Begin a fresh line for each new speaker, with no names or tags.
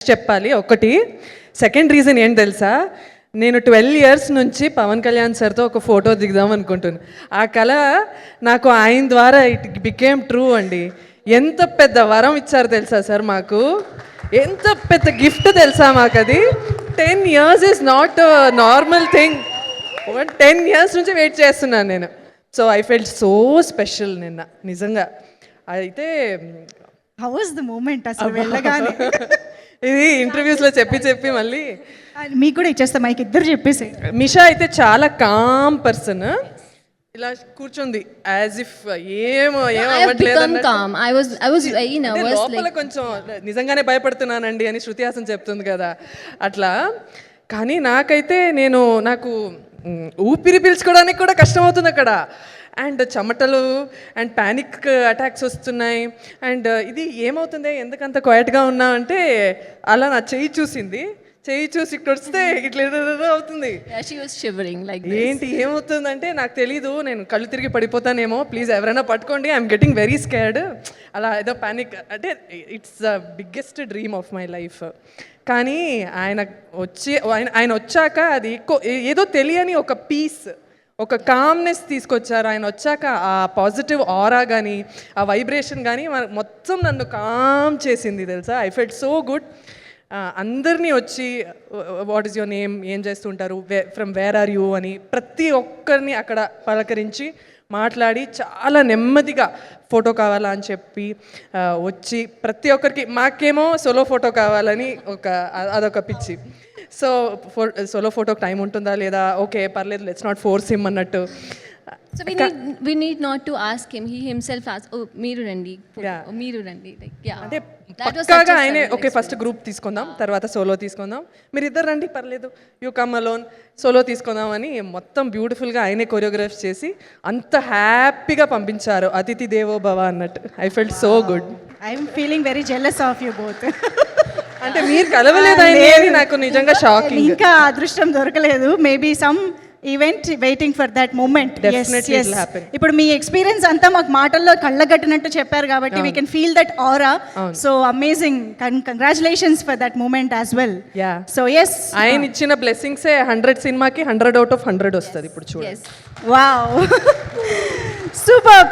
చెప్పాలి ఒకటి. Second reason ఏంటి తెలుసా, నేను 12 years నుంచి పవన్ కళ్యాణ్ సార్తో ఒక ఫోటో దిగుదాం అనుకుంటున్నాను. ఆ కళ నాకు ఆయన ద్వారా ఇట్ బికేమ్ ట్రూ అండి. ఎంత పెద్ద వరం ఇచ్చారు తెలుసా సార్ మాకు, ఎంత పెద్ద గిఫ్ట్ తెలుసా మాకు అది. 10 years is not normal thing. 10 years నుంచి వెయిట్ చేస్తున్నాను నేను. So I felt so special నిన్న నిజంగా. అయితే
హౌ వాస్ ద మూమెంట్ అసలు వెళ్ళగానే?
ఇది ఇంటర్వ్యూస్లో చెప్పి మళ్ళీ
మీకు కూడా ఇచ్చేస్తా మైక్, ఇద్దరు చెప్పేసి.
మిషా అయితే చాలా కామ్ పర్సన్, ఇలా కూర్చుంది యాజ్ ఇఫ్ ఏం అవ్వట్లేదు లోపల కొంచెం నిజంగానే భయపడుతున్నానండి అని శృతి హాసన్ చెప్తుంది కదా అట్లా. కానీ నాకైతే నాకు ఊపిరి పీల్చుకోవడానికి కూడా కష్టమవుతుంది అక్కడ. అండ్ చెమటలు అండ్ ప్యానిక్ అటాక్స్ వస్తున్నాయి. అండ్ ఇది ఏమవుతుంది, ఎందుకంత క్వైట్గా ఉన్నా అంటే అలా నా చెయ్యి చూసింది, చెయ్యి చూసి ఇక్కడ వస్తే ఇట్లా అవుతుంది. ఏంటి ఏమవుతుందంటే నాకు తెలీదు, నేను కళ్ళు తిరిగి పడిపోతానేమో, ప్లీజ్ ఎవరైనా పట్టుకోండి, ఐఎమ్ గెటింగ్ వెరీ స్కేర్డ్. అలా ఏదో ప్యానిక్ అంటే it's the biggest dream of my life. కానీ ఆయన వచ్చాక అది ఏదో తెలియని ఒక పీస్, ఒక కామ్నెస్ తీసుకొచ్చారు. ఆయన వచ్చాక ఆ పాజిటివ్ ఆరా కానీ ఆ వైబ్రేషన్ కానీ మొత్తం నన్ను కామ్ చేసింది తెలుసా. I felt so good. అందరినీ వచ్చి వాట్ ఈస్ యువర్ నేమ్, ఏం చేస్తుంటారు, ఫ్రమ్ వేర్ ఆర్ యూ అని ప్రతి ఒక్కరిని అక్కడ పలకరించి మాట్లాడి చాలా నెమ్మదిగా ఫోటో కావాలా అని చెప్పి వచ్చి ప్రతి ఒక్కరికి, మాకేమో సోలో ఫోటో కావాలని అదొక పిచ్చి. సో సోలో ఫోటోకి టైం ఉంటుందా లేదా, ఓకే పర్లేదు, లెట్స్ నాట్ ఫోర్స్ హిమ్ అన్నట్టు.
So we need not to ask him. He himself asked, "Oh, మీరు రండి." Like yeah.
అంటే పక్కాగా ఆయనే ఓకే ఫస్ట్ గ్రూప్ తీసుకుందాం, తర్వాత సోలో తీసుకుందాం, మీరు ఇద్దరు రండి పర్లేదు, యూ కమ్ అలోన్, సోలో తీసుకుందాం అని మొత్తం బ్యూటిఫుల్గా ఆయనే కొరియోగ్రాఫ్ చేసి అంత హ్యాపీగా పంపించారు. అతిథి దేవో భవ అన్నట్టు. I felt so good.
I'm feeling very jealous of you both.
అంటే మీరు కలవలేదు అని నాకు నిజంగా షాకింగ్.
ఇంకా అదృష్టం దొరకలేదు. Maybe some event waiting for that moment.
Definitely it will happen.
ఇప్పుడు మీ ఎక్స్పీరియన్స్ అంతా మాకు మాటల్లో కళ్ళగట్టినట్టు చెప్పారు కాబట్టి we can feel that aura. So amazing, congratulations for that moment as well. So yes,
ఆయన ఇచ్చిన బ్లెస్సింగ్సే 100 సినిమాకి 100 out of 100 వస్తుంది ఇప్పుడు చూడండి.
Wow, super.